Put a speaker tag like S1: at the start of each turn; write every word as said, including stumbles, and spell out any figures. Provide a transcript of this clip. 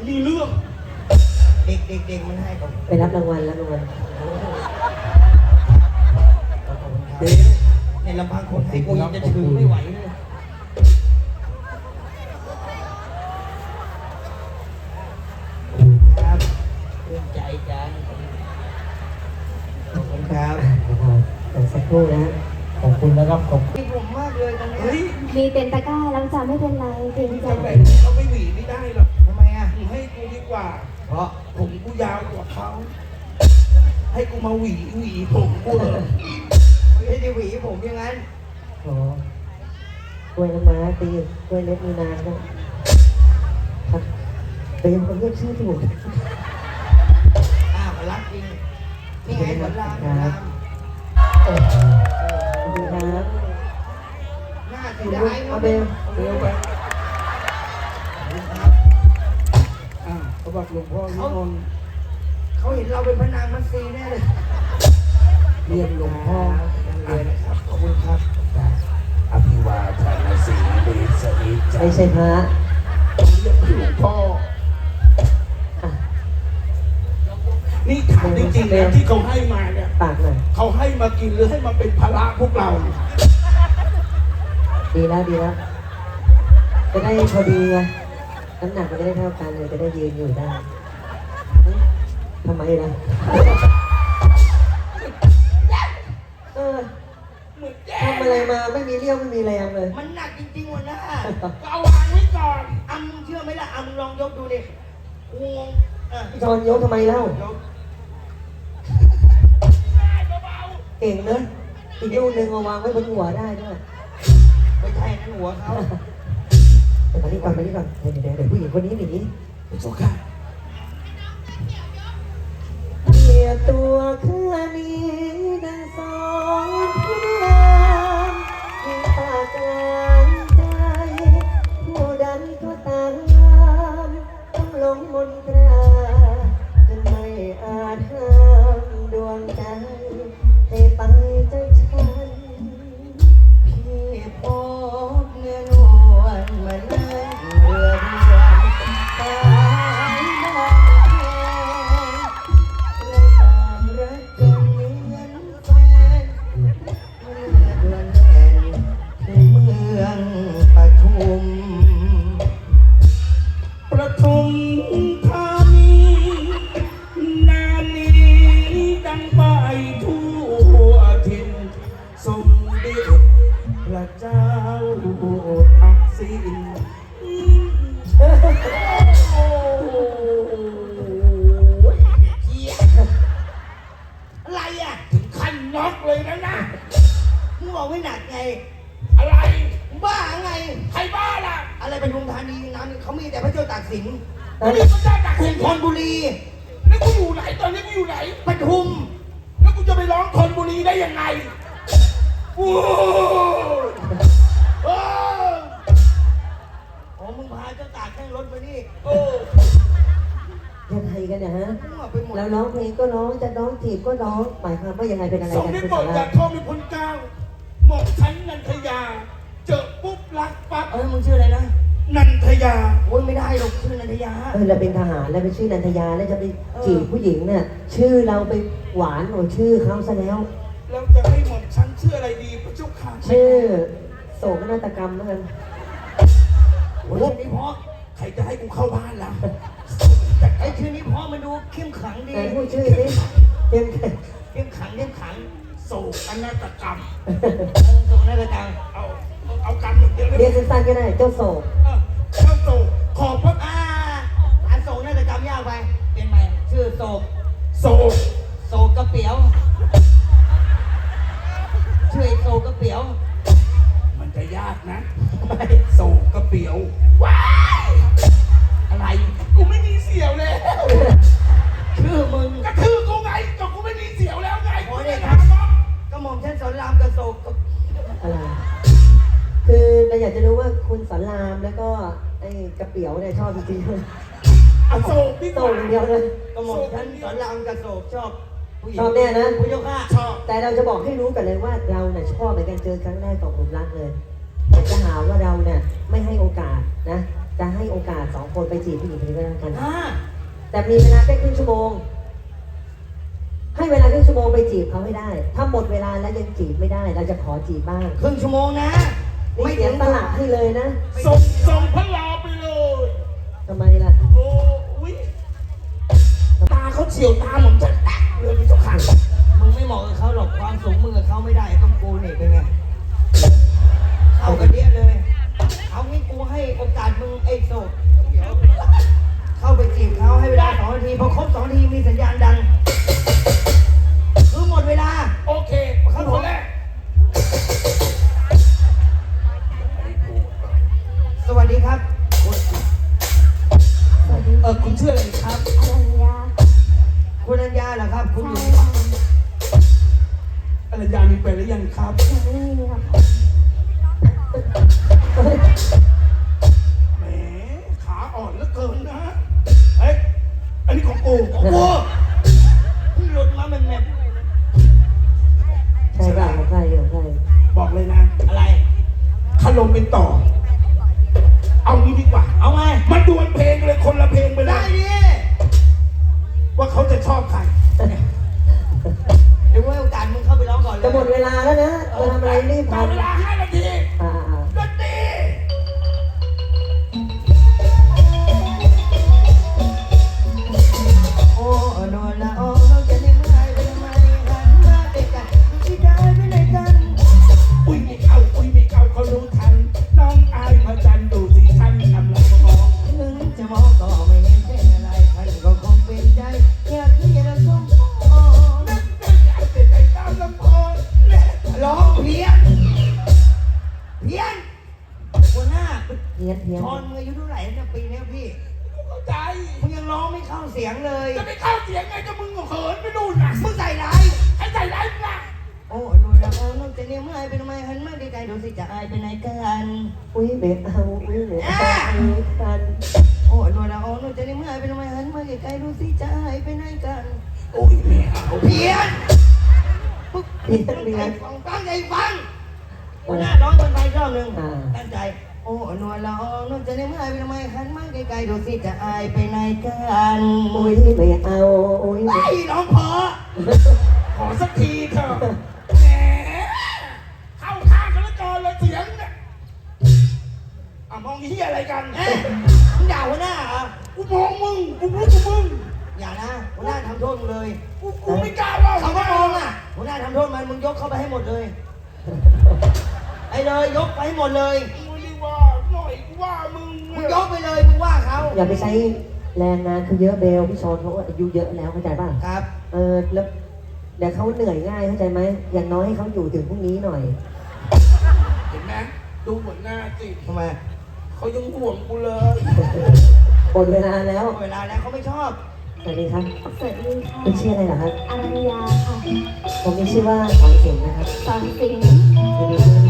S1: มีเรื่องเด็กเด็กเด็กมันให้ผม
S2: ไปรับรางวัลรับรางวัล
S1: เดี๋ยวในลำพังคนให้กูยังจะถือไม่ไหวเลยครับเรื่องใจจังขอบคุณครับ
S2: เดี๋ยวสักครู่นะขอบคุณนะครับขอบคุณ
S1: ผมมากเลยตอนนี้
S3: มีเต็นตะกร้าแล้วจ้ะไม่เป็นไรเกรงใจ
S1: เขาไม่หวีไม่ได้หรอกทำไมอ่ะให้กูดีกว่าเพราะผมกูยาวกว่าเขาให้กูมาหวีหวีผมกูเหรอไม่ได้หวีผมอย่างนั้น
S2: อ๋อกล้วยน้ำม้าตีกล้วยเล็บมีนานด้วยครับแต่ยังคนเรียกชื่อถูก
S1: อ้าวรักจริงนี่ไงสอนรามสอนราม
S2: ดีครับ
S1: หน้าเสียดาย
S2: เอาไปเร็วไป
S1: อ้าวเขาบอกหลวงพ่อนิมนต์เขาเห็นเราเป็นพนางมัตสีแน่เลยเรียนหลวงพ่อเลยนะครับขอบคุณครับ
S4: อภิวาทนาสีเดชนิจ
S2: ไม่ใช่พระ
S4: เรียกหลวงพ่อนี่ถามจริงๆนะที่เขาให้มาเนี่ย
S2: ปากหน่อย
S4: เขาให้มากินหรือให้มาเป็นภาระพวกเรา
S2: ดีแล้วดีแล้วจะได้พอดีไงน้ำหนักมันจะได้เท่ากันเลยจะได้ยืนอยู่ได้ทำไมล่ะเออทำอะไรมาไม่มีเรี่ยวไม่มีแรงเลย
S1: มันหนักจริงๆวันน่ะ
S4: ก็เอาวางไว้ก่อน
S1: อ่ะมึงเชื่อไหมล่ะอ่ะมึงลองยกดูดิงง
S2: พี่ชอนยกทำไมเล่าเก่งเนอะอีกลูกหนึ่งเอาวางไว้บนหัวได้ด้วย
S1: ไม่ใช่นั่นหัวเขา
S2: ไปนี่ก่อนไปนี่ก่อนเดี๋ยวเดี๋ยวเดี๋ยวผู้หญิงคนนี้หนี
S4: ไปโชค่ะ
S2: เกียตัวข้านี้ดังสองเพื่อนมีปากกลางใจผู้ดันก็ตามต้องลงมนตราจนไม่อาจห้ามดวงใจให้ไปใจฉัน
S1: พี่พบเนื้อนวลมานั่งเรือเรือตายบ้านแค่เราต่างรักกันเหมือนแฟนเมื่อดวงแน่นที่เมืองปทุม
S4: ปทุมธานีนามนี้ดังไปทั่วถิ่นสมเด็จพระเจ้าทักษิณ
S1: โอ้ยเจี๊ยอะไรอ่ะ
S4: ถึงขั้นน็อกเลยนะนะ
S1: มึงบอกไม่หนักไง
S4: อะไร
S1: บ้าไง
S4: ใครบ้าล่ะ
S1: อะไรเป็นทุมธานีน้ำเขามีแต่พระเจ้าตากสิน
S4: แล้วนี่มันได้จาก
S1: กรุงธนบุรี
S4: แล้วกูอยู่ไหนตอนนี้กูอยู่ไหน
S1: ปทุม
S4: แล้วกูจะไปร้องธนบุรีได้ยังไงโอ้โห
S1: โอ้มึงพาเจ้าตากนั่งรถมานี่
S4: โอ้
S2: ยังไงกันเนี่ยฮะแล้วร้องเพลงก็ร้องจะร้องจีบก็ร้องหมายความว่ายังไงเป็นอะไร
S4: กัน
S2: คุณ
S4: สาระจากทองมีคนกลางหมอกชั้นนันทยาเจอปุ๊บรักปั๊บ
S1: เออมึงชื่ออะไรนะ
S4: นันทยา
S1: โอ้ยไม่ได้หรอกชื่อนันทยา
S2: เออเราเป็นทหารแล้วไปชื่อนันทยาแล้วจะไปจีบผู้หญิงเนี่ยชื่อเราไปหวานกว่าชื่อเขาซะแล้ว
S4: แล้วจะให้หมอกชั้นชื่ออะไรดีพระเจ้าค่ะ
S2: ชื่อโศกนาฏกรรมแล้วกัน
S1: โอ้ยนี่เพราะ
S4: ใครจะให้กูเข้าบ้านล่ะ
S1: ไอ้ชื่อนี้เพราะมันดูเข้มขังดี
S2: พูดชื่อสิเข้ม
S1: เข้มขังเข้มขัง
S4: โศกนาฏกรรม
S1: โศกนาฏกรรม
S4: เอาเอากรรมหนึ่งเดียว
S2: เรียกสั้นๆก็ได้เจ้าโศก
S4: เจ้าโศกขอบพระ
S1: อ่าอันโศกนาฏกรรมยากไปเป็นไหมชื่อโศก
S4: โศก
S1: โศกกระเปียวชื่อโศกกระเปียว
S4: มันจะยากนะโศกกระเปียวว้าย
S1: อะไร
S4: กูไม่มีเสี่ยวแล้ว
S1: ชื่อมึง
S4: ก็ชื่อกูไงก็กูไม่มีเสี่ยวแล้วไง
S1: โอ้ยเนี่ยครับก็หม่อมฉันสอนรามกระโศก
S2: อะไรคือเราอยากจะรู้ว่าคุณสอนรามแล้วก็ไอ้กระเปียวเนี่ยชอบจริงๆ
S4: อโศกพี่
S2: โศกอย่างเดียวเลย
S1: ก็หม่อมฉันสอนรามกระโศกชอบผู้หญิง
S2: ชอบแน่นะ
S1: ผู้ยกข้า
S4: ชอบ
S2: แต่เราจะบอกให้รู้กันเลยว่าเราเนี่ยชอบเหมือนกันเจอครั้งแรกตกหลุมรักเลยแต่จะหาว่าเราเนี่ยไม่ให้โอกาสนะจะให้โอกาสสองคนไปจีบผู้หญิงคนนี้ก็แล้วกัน
S1: อ่า
S2: แต่มีเวลาแค่ครึ่งชั่วโมง ให้เวลาครึ่งชั่วโมงไปจีบเขาให้ได้ ถ้าหมดเวลาแล้วยังจีบไม่ได้ เราจะขอจีบบ้าง
S1: ครึ่งชั่วโมงนะ
S2: ไม่เสียตลาดให้เลยนะ
S4: ส่งส่งพระลาไปเลย
S2: ทำไมล่ะ
S4: โอ้ยตาเขาเฉียวตาผมจะแตกเลยพี่เจ้าค่ะ
S1: มึงไม่เหมาะกับเขาหรอกความสูงมึงกับเขาไม่ได้ต้องกูนี่เป็นไงเข้ากันเดียเลย เอางี้กูให้โอกาสมึงไอ้โสดเดี๋ยวเข้าไปจีบเขาให้เวลาสองนาทีพอครบสองนาทีมีสัญญาณดังคือหมดเวลา
S4: โอเคครับผมแรก
S1: สวัสดีครับคุณ
S3: สวัสดี
S1: เออคุณชื่ออะไรครับ
S3: อรัญญา
S1: คุณอัญญาเหรอครับ คุณอ
S3: ใช่
S1: ยู่
S3: ค่ะ
S4: อรัญญามีแฟนหรือยังครับ
S3: ยังไม่มีค่ะ
S4: แหมขาอ่อนเหลือเกินนะ เฮ้ย อันนี้ของกู
S1: ของกูเพิ่งหลุดมาแม่แม่
S2: ใช่ป่ะของใครของใคร
S4: บอกเลยนะ
S1: อะไร
S4: ขลมเป็นต่อ เอางี้ดีกว่า
S1: เอาไง
S4: มาดวลเพลงเลยคนละเพลงไปเล
S1: ได้
S4: ย
S1: ดิ
S4: ว่าเขาจะชอบใคร
S1: เดี๋ยวให้โอกาสมึงเข้าไปร้องก่อนเลย
S2: จะหมดเวลาแล้วนะเราทำอะไรรีบ
S4: ต่อ
S2: ทำ
S4: เวลาห้านาที
S2: อ่า
S4: ดนตรี
S1: โอ้โนละโอ้เราจะได้ไม่ไปทำไมหันมาใกล้ๆดูที่ได้ไปไหนกัน
S4: อุ้ยไม่เอาอุ้ยไม่เอาเขารู้ทัน น้องอายพระจันทร์ดูสิท่านกำลังมอง
S1: ถึงจะมองก็ไม่เห็นเป็นอะไรท่านก็คงเป็นใจอยากที่จะสมพร
S4: นึกนึกอยากจะได้ตามลำพอนแน่
S1: ร้องเพี้ยนเพี้ยนหัวหน้า
S2: เพี้ยนเพี้ยน
S1: ชอนมึงอายุเท่าไหร่เนี่ยปีเนี้ยพี่
S4: กูเข้าใจ
S1: มึงยังร้องไม่เข้าเสียงเลย
S4: จะไปเข้าเสียงไงก็มึงเหินไปนู่นน่ะ
S1: มึงใส่ร้าย
S4: ไอ้ใจร้ายมึงน่ะ
S1: โอ้โนละโอ้น้องจะเนี่ยเมื่อไอเป็นทำไมหันมาใกล้ๆดูสิจะอายไปไหนกัน
S2: อุ้ยเบรกเอาอุ้ยเบรกเอาอุ้ยกัน
S1: โอ้โนละโอ้น้องจะเนี่ยเมื่อไอเป็นทำไมหันมาใกล้ๆดูสิจะอายไปไหนกัน
S4: โอ้ยไม่เอา
S1: เพี้ยนปุ๊บ
S2: เพี้ยนเพี้ยน
S1: ฟังตั้งใจฟังหัวหน้าร้องบนไปรอบหนึ่ง
S2: อ่า
S1: ตั้งใจ โอ้นวลละอองนวลจะได้เมื่อไอเป็นทำไมหันมาไกลๆดูสิจะอายไปไหนกัน
S2: อุ้ยไม่เอาอุ้ย
S1: ไอ้ร้องเพอ
S4: ขอสักทีเถอะแหมเข้าข้างกันแล้วก่อนเลยเสียงเนี่ยอ่ะมองเฮียอะไรกัน
S1: เอ๊ะมึงด่าหัวหน้าเหรอ
S4: กูมองมึง กูรู้กูมึง
S1: อย่านะหัวหน้าทำโทษมึงเลย
S4: กูกูไม่กล้าว่า
S1: เขาก็มองอ่ะหัวหน้าทำโทษมันมึงยกเข้าไปให้หมดเลย ไอ้เลยยกไปให้หมดเลย
S4: กูไม่ได้ว่าหน่อยกูว่ามึง
S1: มึงยกไปเลยมึงว่าเขา
S2: อย่าไปใช้แรงงานเขาเยอะเบลพี่ชอนเขาอายุเยอะแล้วเข้าใจป่ะ
S1: ครับ
S2: เออแล้วเดี๋ยวเขาเหนื่อยง่ายเข้าใจไหมอย่างน้อยให้เขาอยู่ถึงพรุ่งนี้หน่อย
S4: เห็นไหมดูหัวหน้าสิ
S1: ทำไม
S4: เขายังห่วงกูเลย
S2: หมดเวลาแล้ว
S1: เวลาแล้วเขาไม่ชอบ
S2: สวัสดีครับ
S3: สวัสดีค่ะ
S2: คุณชื่ออะไรเหรอครับ
S3: อรัญญาค่ะ
S2: ผมมีชื่อว่าสอนสิงห์นะครับ
S3: สอนสิงห์
S2: ยินดีที่ได้